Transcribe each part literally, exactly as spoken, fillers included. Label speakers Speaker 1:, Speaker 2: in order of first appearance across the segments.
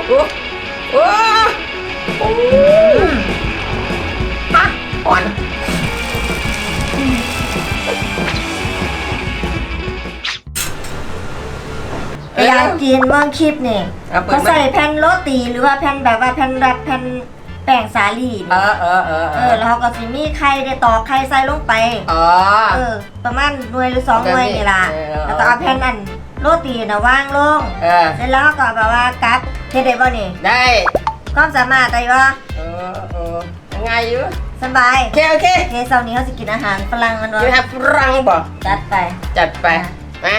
Speaker 1: โอ้โอ้โอ้ฮะอ่อน
Speaker 2: อยากกินเมืองคลิปนี่เขาใส่แผ่นโรตีหรือว่าแผ่นแบบว่าแผ่นรัดแผ่นแป้งสาลี
Speaker 1: เออเออเออ
Speaker 2: เออแล้วเขาก็สิมีไข่ได้ตอกไข่ใส่ลงไป
Speaker 1: อ๋อ
Speaker 2: เออประมาณหน่วยหรือสองหน่วยนี่ล่ะแล้วก็เอาแผ่นอันโรตีน่ะวางลง
Speaker 1: เออ
Speaker 2: เสร็จแล้วก็แบบว่ากัดเฮ็ดได้บ่นี่
Speaker 1: ได้
Speaker 2: ความสามารถได้บ่
Speaker 1: เออเออง่ายอยู่
Speaker 2: สบาย
Speaker 1: โอเคโอเค
Speaker 2: โอเคเช้านี้เขาสิกินอาหารฝรั่งกัน
Speaker 1: กิน
Speaker 2: วะ
Speaker 1: ฮับรังบ่
Speaker 2: จัดไป
Speaker 1: จัดไปมา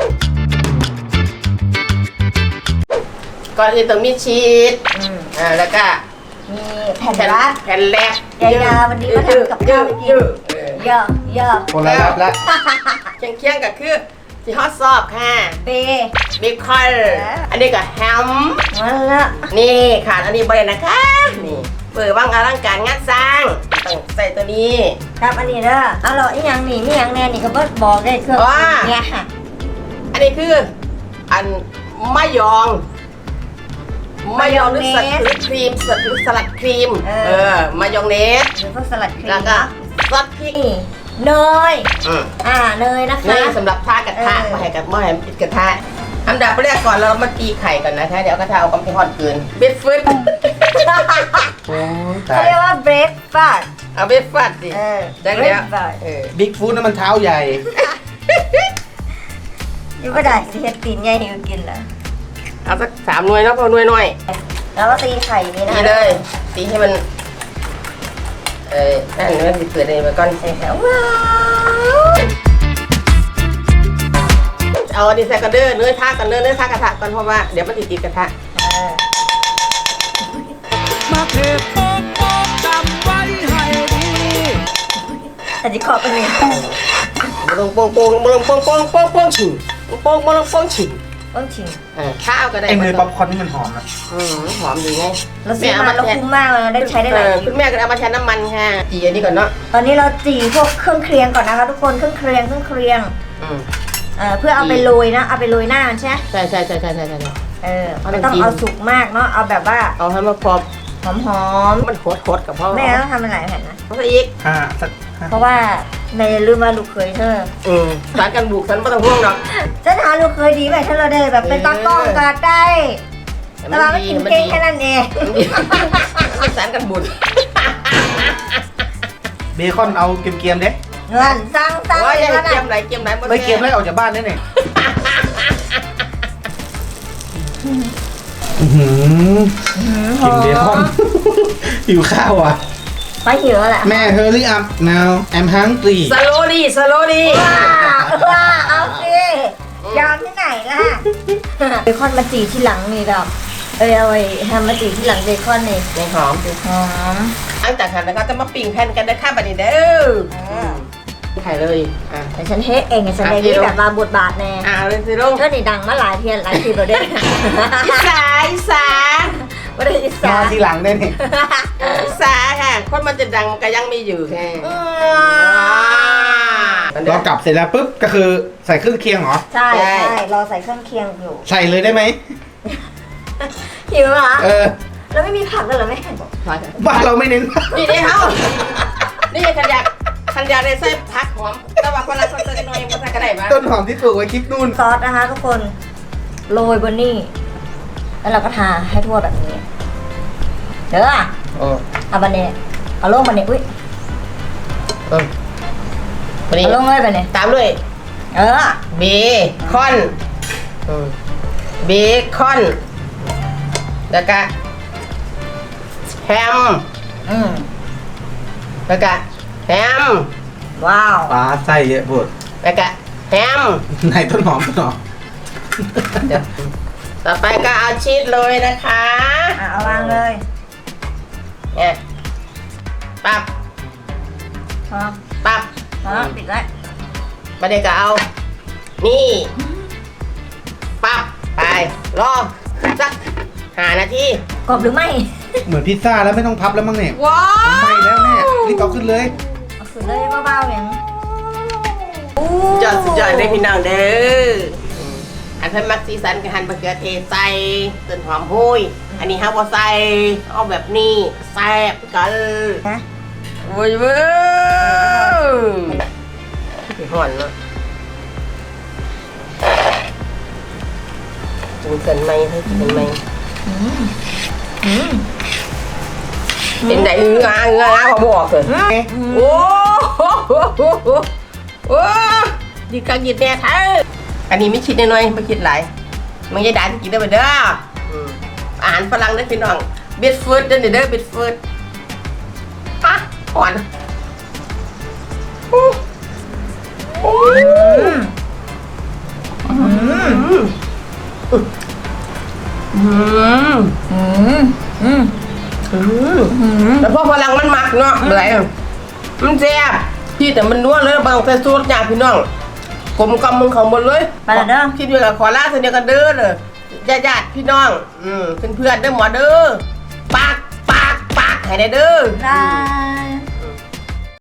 Speaker 1: ก่อนอื่นต้องมีชีส
Speaker 2: อืม
Speaker 1: อ่าแล้วก็
Speaker 2: มีแผ่นรัด
Speaker 1: แผ่นแรก
Speaker 2: ยายๆวันนี้มาทำกับข้าวให้กิน
Speaker 1: เยอะเออ
Speaker 2: เยอะเยอะ
Speaker 3: คนละรับแล้ว
Speaker 1: เคียงเคียงๆก็คือที่ฮอตซอบค่ะ
Speaker 2: เป
Speaker 1: เบคอนอันนี้ก็แฮม
Speaker 2: มาละ
Speaker 1: นี่ขาดอันนี้บรินะคะ นี่เปิดว่างอลังการงานสร้างต้องใส่ตัวนี้
Speaker 2: ครับอันนี้เด้อเอาเราอีหยังนี่มีหยังแน่นี่ก็เบิดบอกได้เครื่อง
Speaker 1: ว่า
Speaker 2: เนี่ยค่ะ
Speaker 1: อันนี้คืออันมะยองมะยองหรือสลัดหรือครีมสลัดหรือสลัดครีม เออมายองเนส
Speaker 2: หรือพวกสลัดครีม
Speaker 1: แล้วก็ซอสพริก
Speaker 2: นี่เนย
Speaker 1: อืม
Speaker 2: อ่าเนยนะคะ
Speaker 1: นี่สำหรับทากระทะ
Speaker 2: เออ
Speaker 1: มาให้กับหม้อแฮมติดกระทะอันดับแรกก่อนเรามาตีไข่ก่อนนะคะเดี๋ยวกระทะเอากำลังทอดเกินเบฟฟืด
Speaker 3: โอ้ตา
Speaker 2: เขา
Speaker 3: ย
Speaker 2: เรียกว่าเบรกฟาสต์
Speaker 1: เอาเบฟฟัดสิ
Speaker 2: เออ
Speaker 1: จังแล้ว
Speaker 2: breakfast
Speaker 1: เออ
Speaker 3: บิ๊กฟู้ดนั่นมันเท้าใหญ่
Speaker 2: อยู่ก็ได้สิเฮ็ดตีนใหญ่ให้กินล่ะ
Speaker 1: เอาสักสามหน่วยเนาะพอหน่วยหน่อย
Speaker 2: แล้วก็ตีไข่นี่นะ
Speaker 1: ตีเลยตีให้มันเอ้ยนั่นมันสิเปิดเลยมาก่อน
Speaker 2: ใส่แล้วว้าว
Speaker 1: เอาอันนี้ใส่กันเด้อเนื้อทากันเด้อเนื้อทากระทะก่อนเพราะว่าเดี๋ยวมันติดติดกระทะ
Speaker 2: เออ
Speaker 4: มาเทโป๊กโป๊กจำไว้ให้ดี
Speaker 2: แต่ที่ขอเป็นนี่
Speaker 1: ลงโป่งโป่งลงโป่งโป่งโป่งโป่งฉิงโป่งมาลงโป่งฉิง
Speaker 2: ต้องชิม
Speaker 1: เออข้าวก็ได้
Speaker 3: ไอ้เนยป๊อปคอร์นนี่มันหอมนะ
Speaker 1: อืมหอมดีไง
Speaker 2: เราซื้อมาเราคุ้มมากเลยนะได้ใช้ได้หลาย
Speaker 1: เออ
Speaker 2: คลิ
Speaker 1: คุ
Speaker 2: ป
Speaker 1: ณแม่ก็เอามาแทนน้ำมันค่ะจีอันนี้ก่อนเนาะ
Speaker 2: ตอนนี้เราจีพวกเครื่องเคียงก่อนนะคะทุกคนเครื่องเคียงเครื่องเคียง
Speaker 1: อืม
Speaker 2: เอ่อเพื่อเอาไปโรยนะเอาไปโรยหน้ามันใช่ไหม
Speaker 1: ใช่ใช่ใช่ใช่ใช่ใช่
Speaker 2: เออไม่ต้องเอาสุกมากเนาะเอาแบบว่า
Speaker 1: เอาให้มันพอ
Speaker 2: หอม
Speaker 1: มันโคตรโคตรกับพ่อ
Speaker 2: ๆแม่ต้องทำเป็นหลายแผ่นนะ
Speaker 1: เขาซะอีก
Speaker 3: ห้าสักห้า
Speaker 2: เพราะว่าในลืมว่าลูกเคยเธอ
Speaker 1: อืมสารกันบุกฉันไม่ต้องห่วงหรอก
Speaker 2: ฉันหาลูกเคยดีแบบถ้าเราได้แบบเป็นตากล้องก็ได้ แต่ว่าไม่กินเก่งแค่นั้นเอง
Speaker 1: มันสารกันบุญ
Speaker 3: เบคอนเอาเกรียมๆเด้
Speaker 2: เงินสั่งสั่ง
Speaker 1: โอ้ย
Speaker 2: เล
Speaker 1: ยัง
Speaker 2: ยนะ
Speaker 1: เกียมไหนเกียมไหน
Speaker 3: ไม่เกรียมแล้วออกจากบ้านได้เนี่ยอื้อหือกินเบคอน หิวข้าวอ่ะ
Speaker 2: ไปหิวแล้วแหละ
Speaker 3: แม่ hurry up now I'm hungry
Speaker 1: สโลดีสโลดี
Speaker 2: ว้าว้าเอาสิยอมที่ไหนล่ะเบคอนมาจีที่หลังนี่ดอกเออเอาไว้ทำมาจีที่หลังเบคอนนี่
Speaker 1: ในหอม
Speaker 2: หอม
Speaker 1: หลังจากนั้นแล้วก็จะมาปิ้งแผ่นกันได้ข้ามไปนี่เด้อไข่เลยอ่ะ
Speaker 2: แต่ฉันเฮ็ดเองไงฉันได้นี่แบบมาบทบาทแน่
Speaker 1: อ่าเลยสิลง
Speaker 2: ก็นี่ดังมาหลายเทียนหลายทีแล้วเด้
Speaker 1: อีสาอีสา
Speaker 2: ไม่ได้อิ
Speaker 3: น
Speaker 2: สา
Speaker 3: อนที่หลังได้เนี่ย
Speaker 1: อีสาค่ะคนมันจะดังมันก็ยังมีอยู่แค่
Speaker 3: เรากลับเสร็จแล้วปุ๊บก็คือใส่เครื่องเคียงเหรอ
Speaker 2: ใช่ใช่รอใส่เครื่องเคียงอยู่
Speaker 3: ใส่เลยได้ไหม
Speaker 2: หิวเหรอ
Speaker 3: เออ
Speaker 2: แล้วไม่มีผักเลยเหรอแม่
Speaker 3: บ้านเราไม่เน้น
Speaker 1: นี่นี่เขานี่ขันยากขันยากเลยใส่ผักหอมแต่ว่าคนละคนใส่น้อยมันใส่ก็ได้ปะ
Speaker 3: ต้นหอมที่ปลูกไว้คลิปนู่น
Speaker 2: ซอสนะคะทุกคนโรยบนนี่แล้วเราก็ทาให้ทั่วแบบนี้เด้อ
Speaker 3: โอ้
Speaker 2: เอาบันเน่เอาลงบันเน่อุ้ย
Speaker 1: เออวันนี้
Speaker 2: เอาลงเลยบันเน่
Speaker 1: ตามด้วย
Speaker 2: เออ
Speaker 1: เบคอนเบคอนแล้วก็แฮม
Speaker 2: อืม
Speaker 1: แล้วก็แฮม
Speaker 2: ว้าว
Speaker 3: ปลาไส้เยอะปวด
Speaker 1: แล้วก็แฮม
Speaker 3: ไหนต้นหอมต้นหอม
Speaker 1: เดี๋ยวต่อไปก็เอาชีสเลยนะคะ
Speaker 2: อ่ะเอาวางเลย
Speaker 1: เนี่ยปับ
Speaker 2: พอ
Speaker 1: ปับ
Speaker 2: พอปิดไว้
Speaker 1: มาเด็กก็เอา นี่ปับไปรอสักห้านาที
Speaker 2: กรอบหรือไม่
Speaker 3: เหมือนพิซซ่าแล้วไม่ต้องพับแล้วมั้งเนี่ย
Speaker 1: ว้า
Speaker 3: ไม่แล้วแม่รีบเอาขึ้นเลย
Speaker 2: เอาสุดเลยเบาๆอย่าง
Speaker 1: สุดยอดสุดยอดเลยพี่น้องเด้ออันเพิ่นมักสีสันกับหั่นมะเขือเทศใส่ต้นหอมห้ยอันนี้เฮาบ่ใส่เอาแบบนี้แซ่บกัน
Speaker 2: นะ
Speaker 1: โว้ยเว้ยหอนเนาะกินเกินไหมให้กินไหมเป็นไหนงางงาเขาบอกเลยโอ้โหโอ้ดีกังยิดแน่แท้อันนี้ไม่คิดน้อยๆไม่คิดหลายมันจะด่าจะกินได้ไปเด้ออาหารฝรั่งได้พี่น้องเบ็ดฟืดเด้อเด้อเบ็ดฟืดอ่ะอ่อนโอ้โอ้อืมอืม
Speaker 2: อืมอืม
Speaker 1: อืมแต่พอฝรั่งมันมักเนาะอะไรมันแซ่บที่แต่มันนัวเลยบางใส่สูตรอย่างพี่น้องกลมกล่อมมึงของหมดเลย
Speaker 2: ไปแล้วเด้อ
Speaker 1: คิดอยู่กับขอลาเสนอกันเด้อเลยญาติๆพี่น้องอืมเพื่อนๆเด้อหมอเด้อปากปากปากให้ได้เด้อ
Speaker 2: ได้